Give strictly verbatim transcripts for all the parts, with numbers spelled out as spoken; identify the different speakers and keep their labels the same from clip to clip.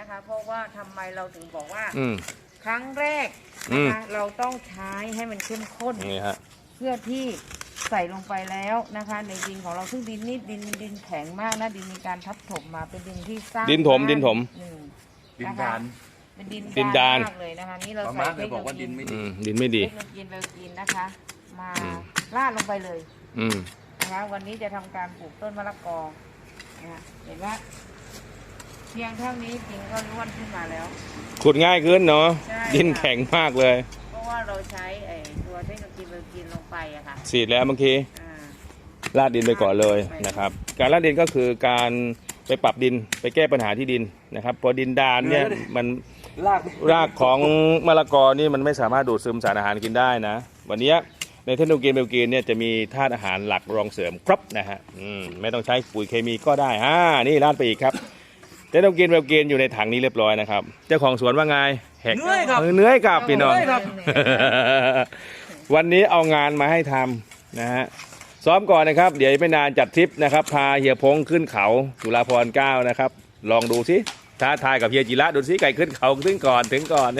Speaker 1: นะคะเพราะว่าทำไมเราถึงบอกว่า
Speaker 2: อืม
Speaker 1: ครั้งแรกนะคะเราต้องใช้ให้มันเข้มข้น
Speaker 2: นี่ฮะ
Speaker 1: เพื่อที่ใส่ลงไปแล้วนะคะ ในดินของเราซึ่งดินนี่ดินดินแข็งมากนะดินมีการทับถมมาเป็นดินที่สร้าง
Speaker 2: ดินถมดินถม
Speaker 1: หนึ่ง
Speaker 3: ดิน
Speaker 1: นะคะ
Speaker 3: ดาน
Speaker 1: เป็นดิน
Speaker 2: ดินดาน
Speaker 1: มากเลยนะคะนี่เรา
Speaker 3: ป้า
Speaker 1: ใส่
Speaker 3: มาร์ค
Speaker 1: เท
Speaker 3: เค
Speaker 1: ค
Speaker 3: ย
Speaker 1: โน
Speaker 3: บอก
Speaker 1: โล
Speaker 3: ว่าดิ
Speaker 1: ยี
Speaker 3: นไม่
Speaker 2: อื
Speaker 3: ดี
Speaker 2: มดินไม่ดี
Speaker 1: เทคโนโลยีเบลกินนะคะ มา
Speaker 2: อืม
Speaker 1: ราดลงไปเลย
Speaker 2: อืม
Speaker 1: นะคะวันนี้จะทำการปลูกต้นมะละกอนะคะเห็นว่าเพียงเท่านี้จริงก็ร่วนขึ้นมาแล้ว
Speaker 2: ขุดง่ายขึ้นเนาะ
Speaker 1: ใช่
Speaker 2: ดินแข็งมากเลย
Speaker 1: เพราะว่าเราใช้ไอ้ตัวเทคโนโลยีเบลกินลงไปอะค่ะ
Speaker 2: สีดแล้วเมื่อกี้
Speaker 1: อ่า
Speaker 2: ลาดดินไปก่อนเลยนะครับ การลาดดินก็คือการไปปรับดินไปแก้ปัญหาที่ดินนะครับพอดินดานเนี่ยมัน
Speaker 3: ลาก
Speaker 2: รากของมะละกอนี่มันไม่สามารถดูดซึมสารอาหารกินได้นะ วันนี้ในเทคโนโลยีเบลกีนเนี่ยจะมีธาตุอาหารหลักรองเสริมครบนะฮะอืมไม่ต้องใช้ปุ๋ยเคมีก็ได้อ่านี่ลาดไปอีกครับเทคโนโลยีเบลกีนอยู่ในถังนี้เรียบร้อยนะครับเจ้าของสวนว่าไงแหก
Speaker 3: เหนื่อยครับ
Speaker 2: เออเหนื่อยกับพี่น้อง
Speaker 3: เหนื่อยครับ
Speaker 2: วันนี้เอางานมาให้ทำนะฮะซ้อมก่อนนะครับ เดี๋ยวไม่นานจัดทริปนะครับพาเฮียพงขึ้นเขาจุฬาภรณ์เก้านะครับลองดูสิท้าทายกับเฮียจิระดูสิไก่ขึ้นเขาถึงก่อนถึงก่อน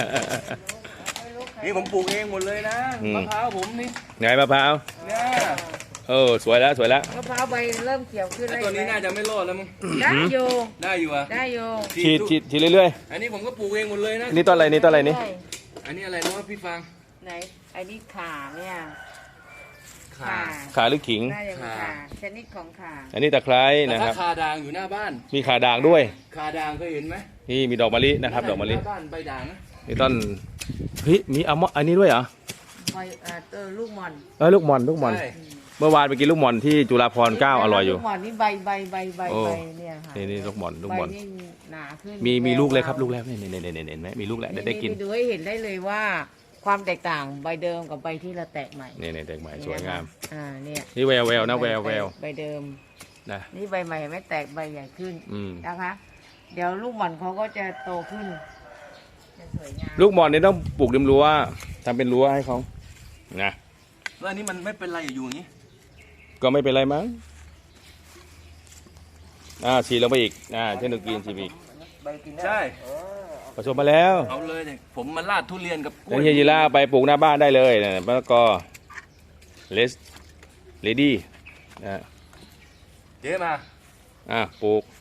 Speaker 3: นี่ผมปลูกเองหมดเลยนะ
Speaker 2: อืม
Speaker 3: มะพร้าวผมนี่
Speaker 2: ไงมะพร้าว
Speaker 3: เนี่ย
Speaker 2: เออสวยแล้วสวยแล้ว
Speaker 1: มะพร้าวใบเริ่มเขียวขึ้น
Speaker 3: ไอ้
Speaker 1: แล้ว
Speaker 3: ตัวนี้
Speaker 1: เห็นไหม
Speaker 3: น่าจะไม่รอดแล้วมั้ง
Speaker 1: ได้อยู่
Speaker 3: ได้อยู่อ่ะ
Speaker 1: ได้อยู่
Speaker 2: ฉีดฉีดฉีดเรื่อย
Speaker 3: อันนี้ผมก็ปลูกเองหมดเลยนะ
Speaker 2: ๆนี่ต้นอะไรนี่ต้นอะไรนี่
Speaker 3: อันนี้อะไรนะวะพี่ฟาง
Speaker 1: ไหนไอ้นี่ข่าเนี่ย
Speaker 3: ข่า
Speaker 2: ขาหรือขิง
Speaker 1: น่าจะเป็น
Speaker 3: ข่า
Speaker 1: ข่าชนิดของข่า
Speaker 2: อันนี้ตะไคร้
Speaker 3: แต่
Speaker 2: นะค
Speaker 3: ถ้า
Speaker 2: รับ
Speaker 3: คาด่างอยู่หน้าบ้าน
Speaker 2: มีขาด่างด้วย
Speaker 3: คาด่างเคยเห็นไหม
Speaker 2: นี่มีดอกมะลินะครับดอกมะลิ
Speaker 3: หน้าบ้านใบด่างนะ
Speaker 2: นี่ต้นเฮ้ยมีอะมออันนี้ด้วยเหรอ
Speaker 1: ใบเอ่อเออลูกหมอน
Speaker 2: เออลูกหมอนลูกหมอน
Speaker 3: ใช่
Speaker 2: เมื่อวานไปกินลูกหมอนที่จุฬาภรณ์เก้าอร่อยอยู่
Speaker 1: ลูกหมอนนี่ใบใบใบใบ
Speaker 2: โอ้
Speaker 1: ใบเนี่ยค่ะ
Speaker 2: นี่นี่ลูกหมอนลูกหมอน
Speaker 1: ใบนี่หนาขึ้น
Speaker 2: มีมี
Speaker 1: แวว
Speaker 2: ลูกเลยครับ
Speaker 1: วาว
Speaker 2: ลูกแล้วนี่นี่นี่นี่เห็นไหมมีลูกแล้วได้ได้กิน
Speaker 1: ดูให้เห็นได้เลยว่า ความแตกต่างใบเดิมกับใบที่เราแตกใหม่
Speaker 2: นี่นี่แตกใหม่สวยงาม
Speaker 1: อ่าเนี่ย
Speaker 2: นี่แววแววนะแววแวว
Speaker 1: ใบเดิม
Speaker 2: นะ
Speaker 1: นี่ใบใหม่ไม่แตกใบใหญ่ขึ้น
Speaker 2: อืม
Speaker 1: นะคะ เดี๋ยวลูกหม่อนเขาก็จะโตขึ้นจะสวยงาม
Speaker 2: ลูกหมอนนี่ต้องปลูกริมรั้วทำเป็นรั้วให้เขานะ
Speaker 3: แล้วอันนี้มันไม่เป็นไรอยู่อย่างนี้
Speaker 2: ก็ไม่เป็นไรมั้งอ่าฉีดลงไปอีกอ่าเช่นเดียวกินฉีดอีก
Speaker 1: ใบกินได้
Speaker 3: ใช่
Speaker 2: ผสมมาแล้ว
Speaker 3: เอาเลยเนี่ยผมมาลาดทุเรียนกับกล้
Speaker 2: แล้ว
Speaker 3: วย
Speaker 2: เฮียจิล่าไปปลูกหน้าบ้านได้เลยนะมะละกอเลสเลดี้นะ
Speaker 3: เจ๊มา
Speaker 2: อ่ะปลูก